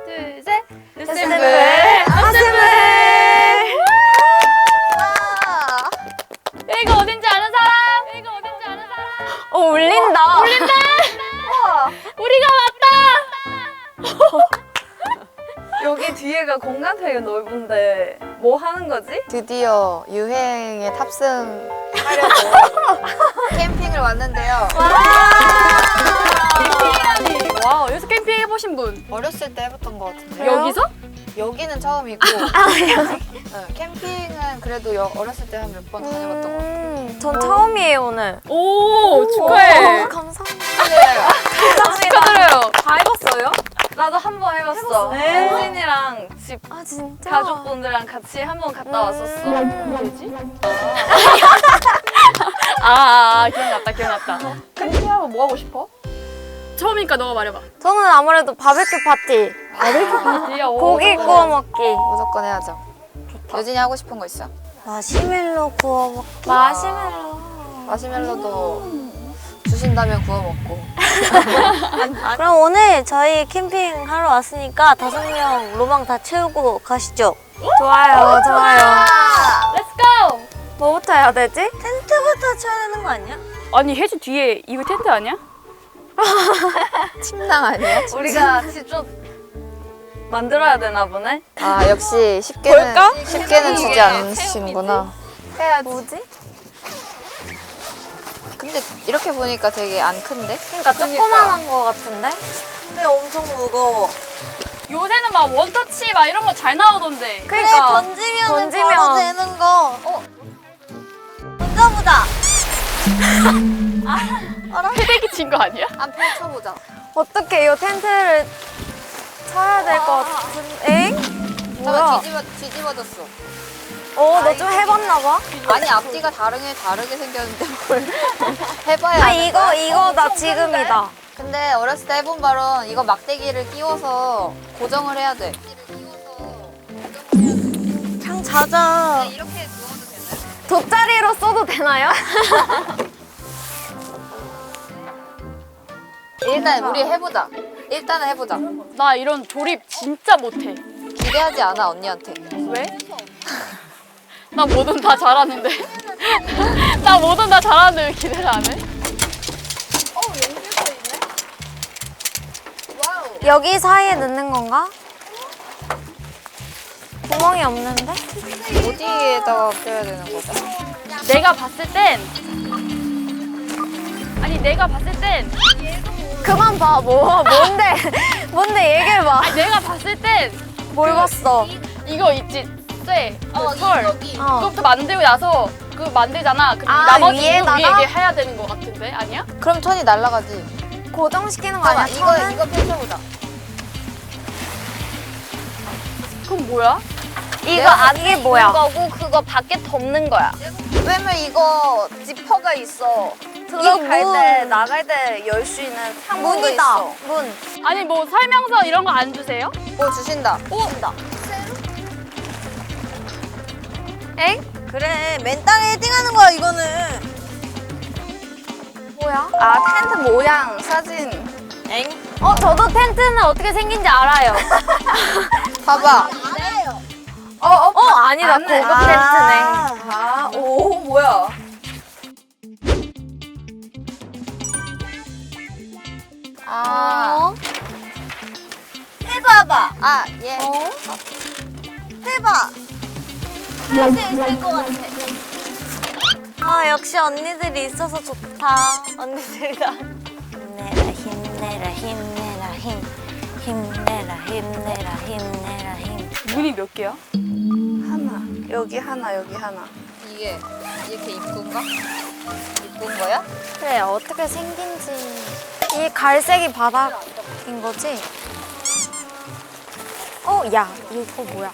둘, 셋. sem블 아셈블. 여기가 어딘지 아는 사람? 여기가 어딘지 아는 사람? 울린다. 울린다. 우리가 왔다. 여기 뒤에가 공간 되게 넓은데 뭐 하는 거지? 드디어 유행에 탑승하려고 캠핑을 왔는데요. 캠핑이라니. 와, 여기서 캠핑 해보신 분? 어렸을 때 해봤던 것 같은데. 여기서? 여기는 처음이고. 캠핑은 그래도 어렸을 때 한 몇 번 다녀봤던 것 같아요. 전 처음이에요 오늘. 오, 축하해. 감사합니다. 축하드려요. 다 해봤어요? 나도 한 번 해봤어. 혜진이랑 집 아 진짜? 가족분들이랑 같이 한 번 갔다 왔었어. 뭐지? 기억났다, 기억났다. 캠핑하면 뭐 하고 싶어? 처음이니까 너가 말해봐. 저는 아무래도 바베큐 파티, 파티야. 고기 구워 먹기, 무조건 해야죠. 여진이 하고 싶은 거 있어? 마시멜로 구워 먹기. 마시멜로. 마시멜로도 주신다면 구워 먹고. 그럼 오늘 저희 캠핑 하러 왔으니까 5명 로망 다 채우고 가시죠. 좋아요, 좋아요. Let's go. 뭐부터 해야 되지? 텐트부터 쳐야 되는 거 아니야? 아니, 혜진 뒤에 이거 텐트 아니야? 침낭 아니야? 우리가 직접 만들어야 되나 보네? 아 역시 볼까? 쉽게는 주지 않으시는구나. 해야지. 뭐지? 근데 이렇게 보니까 되게 안 큰데? 그러니까 조그만한 거 같은데? 근데 엄청 무거워. 요새는 막 원터치 막 이런 거 잘 나오던데. 그러니까 던지면 바로 되는 거. 던져보자. 패대기 친 거 아니야? 한 펼쳐보자. 어떻게 이 텐트를 쳐야 될 것 같은데? 엥? 뭐야? 잠깐 뒤집어졌어. 너 좀 해봤나 봐? 아니 앞뒤가 다르게 생겼는데 뭘 해봐야. 아 이거 나 지금이다. 근데 어렸을 때 해본 바론 이거 막대기를 끼워서 고정을 해야 돼. 그냥 자자. 이렇게 누워도 되나요? 돗자리로 써도 되나요? 일단 우리 해보자. 일단은 해보자. 나 이런 조립 진짜 못해. 기대하지 않아 언니한테. 왜? 나 뭐든 다 잘하는데. 나 뭐든 다 잘하는데 왜 기대를 안 해? 여기 사이에 넣는 건가? 구멍이 없는데? 어디에다가 껴야 되는 거죠? 내가 봤을 땐 내가 봤을 땐 그만 봐. 뭔데? 뭔데 얘기해봐. 내가 봤을 땐 뭘 봤어? 이거 있지 쇠, 철 여기. 그거부터 만들고 나서 그거 만들잖아. 그럼 아, 나머지 위에다가? 위에 이게 해야 되는 거 같은데 아니야? 그럼 천이 날아가지. 고정시키는 거 아니야? 잠깐만 천은? 이거 펼쳐보자. 그럼 뭐야? 이게 뭐야? 거고 그거 밖에 덮는 거야. 왜냐면 이거 지퍼가 있어. 이거 들어갈 문. 때 나갈 때 열 수 있는 창문도 문이다. 있어. 문. 아니 뭐 설명서 이런 거 안 주세요? 뭐 주신다. 엥? 그래 맨 땅에 헤딩하는 거야 이거는. 뭐야? 아 텐트 모양 사진. 저도 텐트는 어떻게 생긴지 알아요. 봐봐. 아니다. 고급 텐트네. 오 뭐야? 아. 해봐봐. 아 예. 해봐. 할 수 있을 것 같아. 아 역시 언니들이 있어서 좋다. 언니들이다. 힘내라 힘내라 힘내라 힘. 힘내라 힘내라 힘내라 힘. 문이 몇 개야? 하나. 여기 하나 여기 하나. 이게 이렇게 이쁜가? 이쁜 거야? 그래 어떻게 생긴지. 이 갈색이 바닥인 거지? 야 이거 뭐야?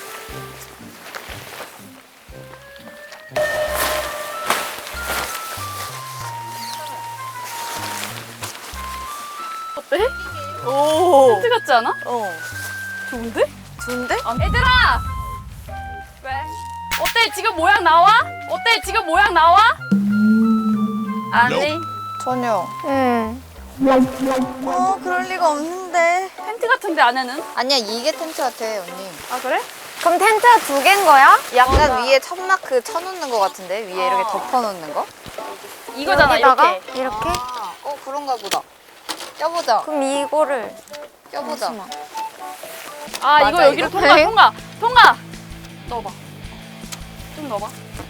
어때? 오 텐트 같지 않아? 좋은데? 좋은데? 얘들아! 왜? 어때 지금 모양 나와? 어때 지금 모양 나와? 아니. 전혀. 응. 그럴 리가 없는데. 텐트인데. 텐트 같은데 안에는? 아니야, 이게 텐트 같아, 언니. 아 그래? 그럼 텐트가 2개인 거야? 약간 위에 천막 쳐놓는 거 같은데? 위에 이렇게 덮어놓는 거? 이거잖아 여기다가? 이렇게. 이렇게? 그런가 보다. 껴보자. 그럼 이거를. 껴보자. 아 이거 맞아, 여기로 이거? 통과. 넣어봐. 좀 넣어봐.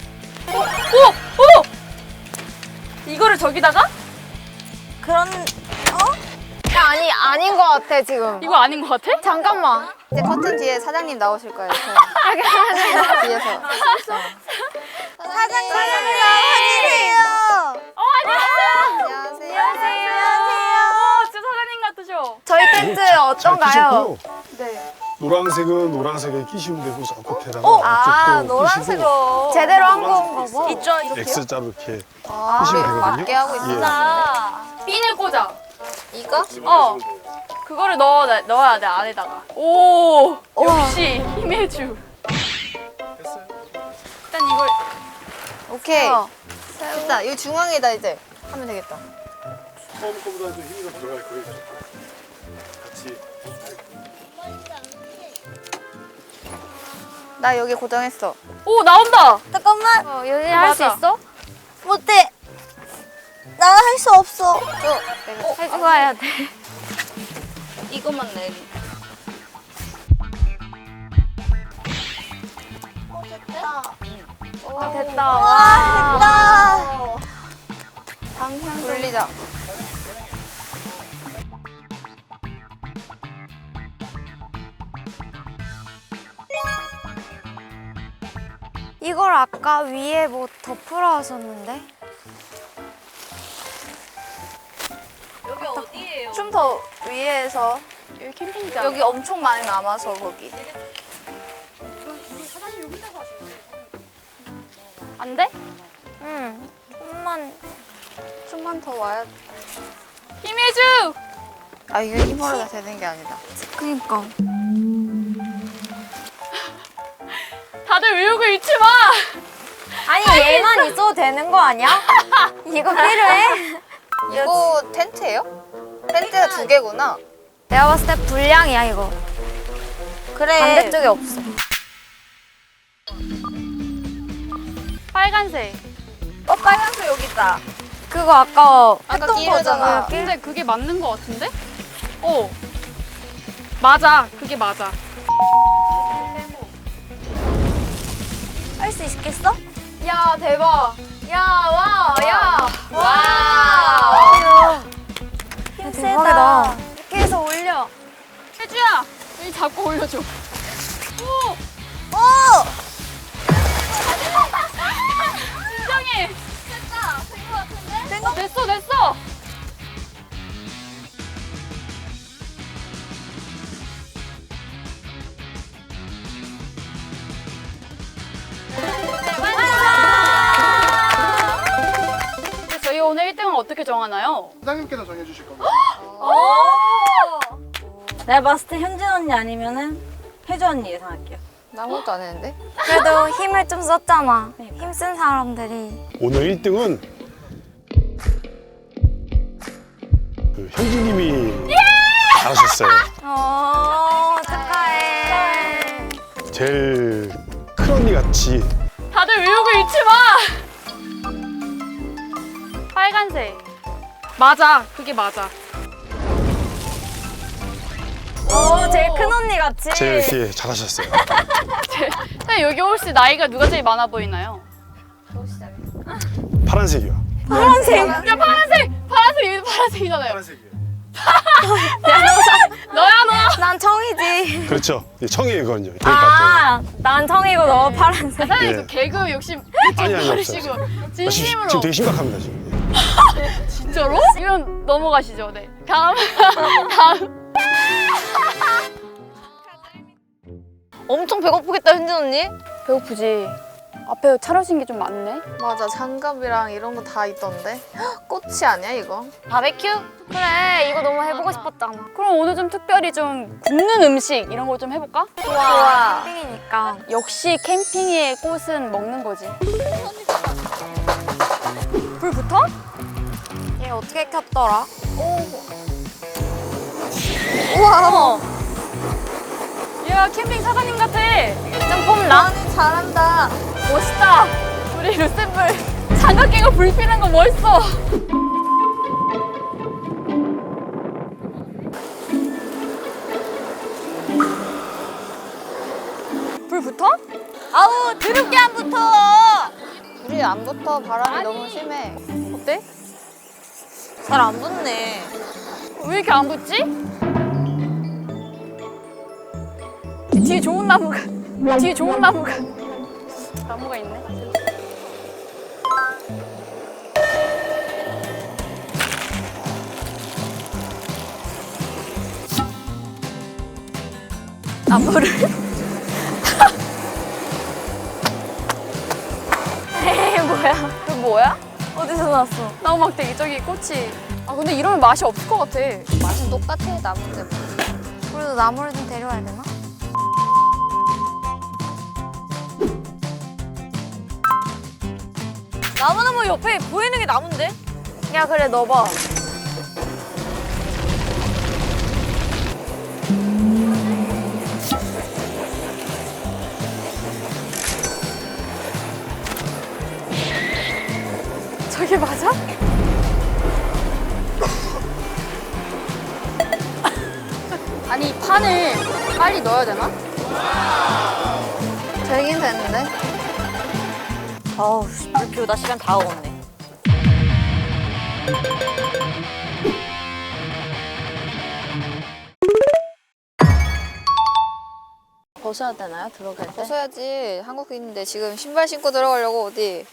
오! 이거를 저기다가? 그런, 야, 아닌 거 같아, 지금. 이거 아닌 것 같아? 잠깐만. 이제 커튼 뒤에 사장님 나오실 거예요. 뒤에서. 사장님 나와주세요. 안녕하세요. 진짜 사장님 같으셔. 저희 텐트 어떤가요? 네. 노란색은 노란색에 끼시면 되고 저 끝에다가 아, 이쪽도 노란색으로. 제대로 한 건가 봐. 있죠, X자로 이렇게 아, 끼시면 되거든요. 맞게 하고 있어. 예. 핀을 꽂아. 이거? 그거를 넣어야 돼 안에다가. 오, 역시 힘의 주. 일단 이걸 오케이. 됐다. 이 중앙에다 이제 하면 되겠다. 처음 거보다 좀 힘이 더 들어갈 거예요. 같이. 나 여기 고정했어. 오 나온다. 잠깐만. 여기 할 수 맞아. 있어? 못해. 나는 할 수 없어. 내가 해주고 와야 돼. 이것만 내리. 됐다. 와, 방향 돌리자. 이걸 아까 위에 뭐 덮으러 하셨는데? 여기 어디예요? 좀 더 위에서 여기 캠핑장. 여기 엄청 많이 남아서 거기. 안 돼? 응. 좀만 더 와야 돼. 힘의 주. 아, 이게 힘으로 다 되는 게 아니다. 그니까. 다들 외우고 잊지 마. 아니, 얘만 있어도 되는 거 아니야? 이거 필요해? 이거 텐트예요? 텐트가 2개구나. 내가 봤을 때 불량이야, 이거. 그래. 반대쪽에 없어. 빨간색. 빨간색 여기 있다. 그거 아까 아까 했던 끼우잖아. 거잖아. 근데 그게 맞는 거 같은데? 맞아. 그게 맞아. 할 수 있겠어? 야 대박. 야. 힘 대박이다. 세다. 이렇게 해서 올려. 혜주야. 여기 잡고 올려줘. 오. 오! 진정해. 됐어. 근데 저희 오늘 1등은 어떻게 정하나요? 사장님께서 정해주실 겁니다. 내가 봤을 때 현진 언니 아니면은 혜주 언니 예상할게요. 나 아무것도 안 했는데? 그래도 힘을 좀 썼잖아. 힘쓴 사람들이. 오늘 1등은 그 현진님이 잘하셨어요. 축하해. 제일 큰 언니 같이 다들 외우고 잊지 마. 빨간색. 맞아. 그게 맞아. 오, 제일 큰 언니 같이. 제일 이렇게 잘하셨어요. 근데 여기 혹시 나이가 누가 제일 많아 보이나요? 파란색이요. 파란색. 야 파란색 여기 파란색이잖아요. 파란색이요. 너야 너. 난 청이지. 그렇죠. 청이거든요. 되게 같아요. 난 청이고 너 파란색. 사장님 예. 그 개그 욕심 아니, 없어요. 버리시고 진심으로. 지금 되게 심각합니다 지금. 진짜로? 이건 넘어가시죠. 네. 다음. 엄청 배고프겠다, 현진 언니? 배고프지. 앞에 차려진 게 좀 많네. 맞아, 장갑이랑 이런 거 다 있던데. 헉, 꽃이 아니야, 이거? 바베큐? 그래, 이거 너무 해보고 싶었잖아. 그럼 오늘 좀 특별히 좀 굽는 음식 이런 거 좀 해볼까? 좋아. 캠핑이니까. 역시 캠핑의 꽃은 먹는 거지. 불 붙어? 얘 어떻게 켰더라? 오! 야 캠핑 사장님 같아. 짱폼라. 잘한다. 멋있다. 우리 루셈블 장갑 끼고 불 피는 거 멋있어. 불 붙어? 아우 드럽게 안 붙어. 불이 안 붙어. 바람이 너무 심해. 어때? 잘 안 붙네. 왜 이렇게 안 붙지? 뒤에 좋은 나무가 나무가 있네. 나무를 에이 뭐야? 그 뭐야? 어디서 났어? 나무 막대기 저기 꽃이. 아 근데 이러면 맛이 없을 것 같아. 맛은 똑같아. 나무인데 뭐. 우리도 나무를 좀 데려와야 되나? 나무는 뭐 옆에 보이는 게 나무인데? 야 그래 넣어봐. 저게 맞아? 아니 판을 빨리 넣어야 되나? 되긴 되는데. 어우 불 피우다 시간 다 먹었네. 벗어야 되나요? 들어갈 때? 벗어야지. 한국인인데 지금 신발 신고 들어가려고 어디.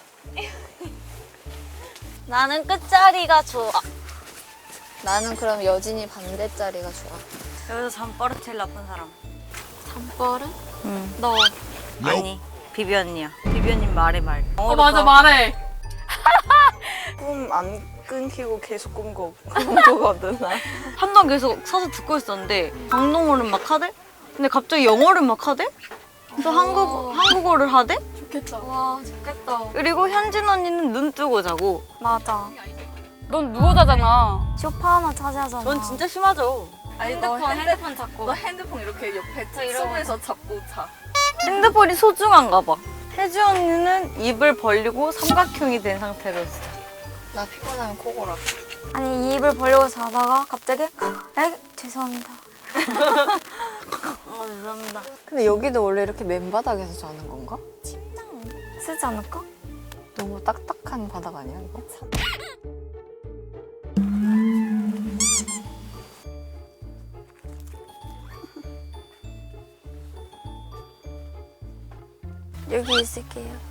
나는 끝자리가 좋아. 나는 그럼 여진이 반대짜리가 좋아. 여기서 잠버릇 제일 나쁜 사람. 잠버릇? 응. 너. 아니. 비비 언니야. 비비 언니 말해 말. 어 맞아 말해. 꿈 안 끊기고 계속 꾼 거거든. 나. 한동 계속 서서 듣고 있었는데 강동어를 막 하대? 근데 갑자기 영어를 막 하대? 또 한국어를 하대? 좋겠다. 와 좋겠다. 그리고 현진 언니는 눈 뜨고 자고. 맞아. 넌 누워 자잖아. 쇼파 하나 차지하잖아. 넌 진짜 심하죠? 아니 핸드폰 잡고. 너 핸드폰 이렇게 옆에 툭에서 잡고 자. 핸드폰이 소중한가 봐. 혜주 언니는 입을 벌리고 삼각형이 된 상태로 있어. 나 피곤하면 코 골아. 아니 입을 벌리고 자다가 갑자기 죄송합니다. 죄송합니다. 근데 여기도 원래 이렇게 맨바닥에서 자는 건가? 쓰지 않을까? 너무 딱딱한 바닥 아니야 이거? 여기 있을게요.